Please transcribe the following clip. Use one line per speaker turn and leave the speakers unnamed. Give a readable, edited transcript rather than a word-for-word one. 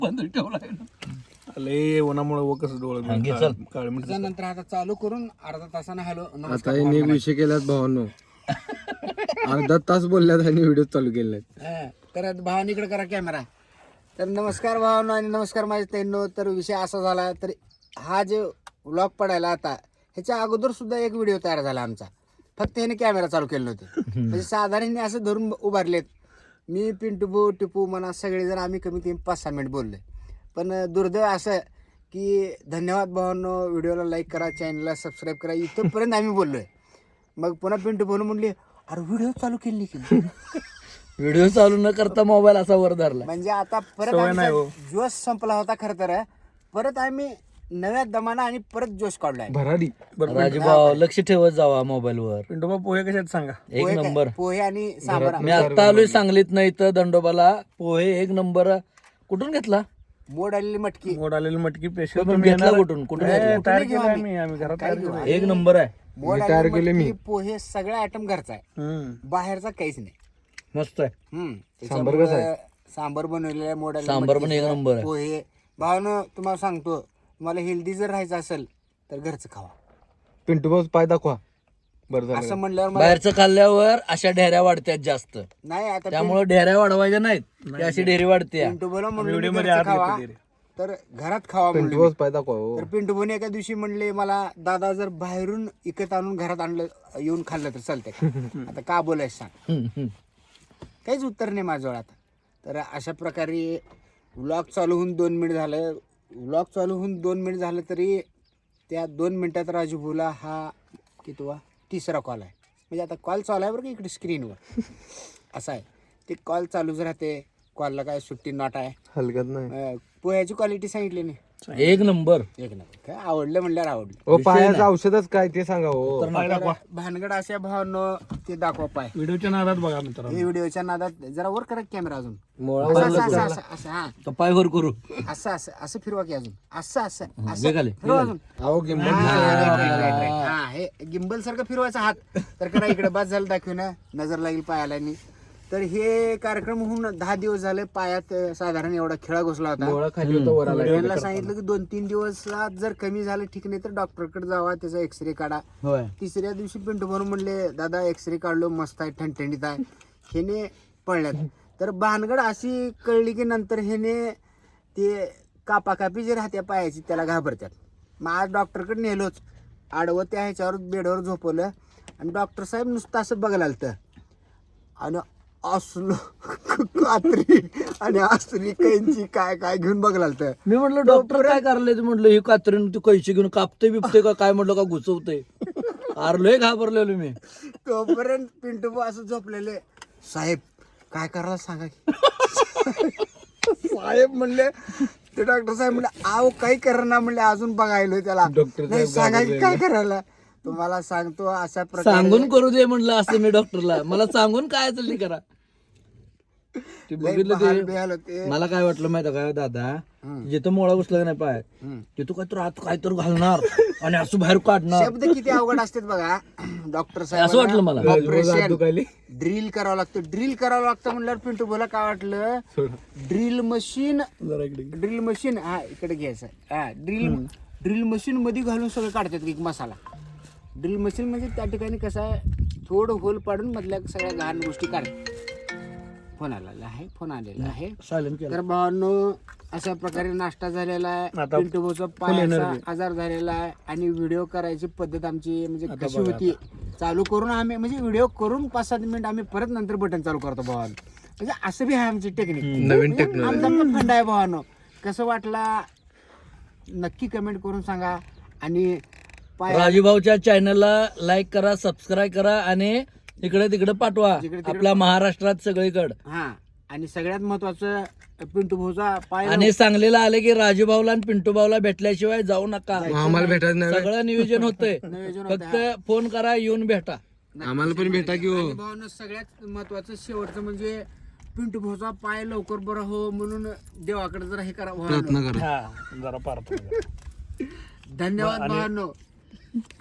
बंद ठेवला
लय उन्हामुळे वकस डोळे
त्यानंतर आता चालू करून अर्धा तासानं हॅलो
आता यांनी एक विषय केलात भावांनो. अर्धा तास बोलल्यात आणि व्हिडिओ चालू केले.
तर भावानीकडे करा कॅमेरा. तर नमस्कार भावांनो आणि नमस्कार माझ्या ताईंनो. तर विषय असा झाला, तर हा जे व्लॉग पडायला आता ह्याच्या अगोदर सुद्धा एक व्हिडिओ तयार झाला आमचा, फक्त ह्याने कॅमेरा चालू केले नव्हते. म्हणजे साधारण असं धरून उभारलेत. मी पिंटू टिपू म्हणा सगळेजण आम्ही कमीत कमी 5-6 मिनिट बोललोय. पण दुर्दैव असं की धन्यवाद भावांनो, व्हिडिओला लाईक करा, चॅनलला सबस्क्राईब करा, इथंपर्यंत आम्ही बोललोय. मग पुन्हा पिंटू बोलून म्हणले अरे व्हिडिओ चालू केली की
व्हिडिओ चालू न करता मोबाईल असा वर धरला.
म्हणजे आता परत जोश संपला होता खरं तर. परत आम्ही नव्या दमाना आणि परत जोश काढलाय.
भराडी
राजूभाऊ लक्ष ठेवत जावा मोबाईल वर.
पिंटोबा पोहे कशात सांगा.
एक नंबर
पोहे आणि सांबार.
मी आता आलोय सांगलीत नाही तर दंडोबाला. पोहे एक नंबर. कुठून घेतला?
मोड आलेली मटकी.
मोड आलेली मटकी पेशल
कुठून घेतला? कुठून
तयार केली आम्ही घरात तयार केली.
एक नंबर आहे.
मोड आलेली मटकी, पोहे सगळा आयटम घरचा आहे, बाहेरचा काहीच नाही.
मस्त आहे.
त्याच्यामुळे सांबर बनवलेलं आहे. मोड आलेली
सांबार पण
मटकी,
एक नंबर आहे.
पोहे. भावानं तुम्हाला सांगतो, तुम्हाला हेल्दी जर राहायचं असेल तर घरचं खावा.
पिंटू भाऊ पाय दाखवा. बरं झालं.
असं म्हणल्यावर मला
बाहेरचं खाल्ल्यावर अशा ढेऱ्या वाढतात जास्त,
नाही आता
त्यामुळे ढेऱ्या वाढवायच्या नाहीत. ती अशी ढेरी वाढते.
पिंटू बोला म्हणलं घरचं खावा, तर घरात खावा
पिंटू
म्हणलं.
भाऊ पाय दाखवा हो.
तर पिंटू भाऊने एका दिवशी म्हणले मला, दादा जर बाहेरून इकत आणून घरात आणलं येऊन खाल्लं तर चालतंय का? आता का बोलायचं सांग. काहीच उत्तर नाही माझ्याजवळ आता. तर अशा प्रकारे व्लॉग चालू होऊन 2 मिनिट झालं. व्लॉग चालू होऊन 2 मिनिट झालं तरी त्या 2 मिनिटात राजू भाऊला हा कितवा 3रा कॉल आहे. म्हणजे आता कॉल चालू आहे बरं का इकडे स्क्रीनवर. असं आहे ते, कॉल चालूच राहते. कॉलला काय सुट्टी नॉट आहे.
हलकत नाही.
पोह्याची क्वालिटी सांगितली नाही.
एक नंबर.
एक नंबर. काय आवडलं म्हणल्यावर आवडलं.
ओ पायाचं औषधच काय ते सांगा हो.
भानगड अशा भावांनो ते दाखवा पाय.
व्हिडिओच्या नादात बघा मित्रांनो.
हे व्हिडिओच्या नादात जरा वर करा कॅमेरा अजून.
मोळा
असं हा
तर पाय वर करू.
असं फिरवा की अजून. असं
वेगाले.
फिरवा अजून.
अहो गिंबल
हा हे गिंबल सारखं फिरवायचा हात. तर करा इकडे बाद झालं दाखवून नजर लागेल पायाला. तर हे कार्यक्रम होऊन 10 दिवस झाले. पायात साधारण एवढा खिळा घुसला होता.
मोळा खाली होता वर आला.
त्यांना सांगितलं की 2-3 दिवसात जर कमी झालं ठीक नाही तर डॉक्टरकडे जावा, त्याचा एक्सरे काढा. 3ऱ्या दिवशी पिंटू म्हणून म्हणले दादा एक्सरे काढलो, मस्त आहे, ठणठणीत आहे. ह्याने पळल्यात. तर भानगड अशी कळली की नंतर ह्याने ते कापाकापी जे राहत्या पायाची त्याला घाबरतात. मग आज डॉक्टरकडे नेलोच. आडवं त्या ह्याच्यावर बेडवर झोपवलं आणि डॉक्टर साहेब नुसतं असं बघायला आलतं आणि असलो कात्री आणि असली कैंची काय काय घेऊन बघायला आलतं.
मी म्हटलं डॉक्टर काय करले? म्हटलं ही कात्रीन तू कैची घेऊन कापते बिपते का काय? म्हटलं का घुसवते? आरलोय घाबरलेलो मी.
तोपर्यंत पिंटू असं झोपलेले. साहेब काय करायला सांगा की. साहेब म्हणले, ते डॉक्टर साहेब म्हणले आव काही करणार म्हणले, अजून बघायलो त्याला. नाही सांगा की काय करायला. तुम्हाला सांगतो अशा प्रकारे
सांगून करू दे म्हणलं असं मी डॉक्टरला. मला सांगून काय चालली करा. ते बघितलं ते मला काय वाटलं माहिती काय दादा, जिथं मोळा घुसला नाही पाय तिथं काय तर आत काय तर घालणार आणि असं बाहेर काढणार.
शब्द किती अवघड असतात बघा. डॉक्टर साहेब
असं वाटलं मला.
ऑपरेशन ड्रिल करावं लागतं. ड्रिल करावं लागतं म्हणल्यावर पिंटू बोला काय वाटलं, ड्रिल मशीन हा इकडे घ्यायचं. हा ड्रिल मशीन मध्ये घालून सगळं काढतात एक मसाला. ड्रिल मशीन म्हणजे त्या ठिकाणी कसं आहे, थोडं होल पाडून मधल्या सगळ्या घाण गोष्टी काढतात. फोन आलेला आहे. तर भावांनो अशा प्रकारे नाश्ता झालेला आहे. पिंटू भाऊचा पायाचा आजार झालेला आहे आणि व्हिडिओ करायची पद्धत आमची म्हणजे कशी होती, चालू करून आम्ही म्हणजे व्हिडिओ करून 5-7 मिनिट आम्ही परत नंतर बटन चालू करतो भावांनो. म्हणजे असं बी आहे आमची टेक्निक.
नवीन टेक्नॉलॉजी
आमचा फंड आहे भावांनो. कसं वाटला नक्की कमेंट करून सांगा. आणि
राजूभाऊच्या चॅनलला लाईक करा, सबस्क्राईब करा आणि इकडे तिकडे पाठवा. आपल्या महाराष्ट्रात सगळीकडे.
हा आणि सगळ्यात महत्वाचं पिंटू भाऊचा पाय
आणि सांगलीला आले की राजूभाऊला आणि पिंटू भाऊला भेटल्याशिवाय जाऊ नका.
आम्हाला भेटायचं नाही.
सगळं नियोजन होतंय. फक्त फोन करा, येऊन भेटा.
आम्हाला पण भेटा की हो.
भावानं सगळ्यात महत्वाचं शेवटचं म्हणजे पिंटू भाऊचा पाय लवकर बरा हो म्हणून देवाकडे जरा हे करा.
प्रयत्न करा.
जरा पार्थ.
धन्यवाद भावांनो.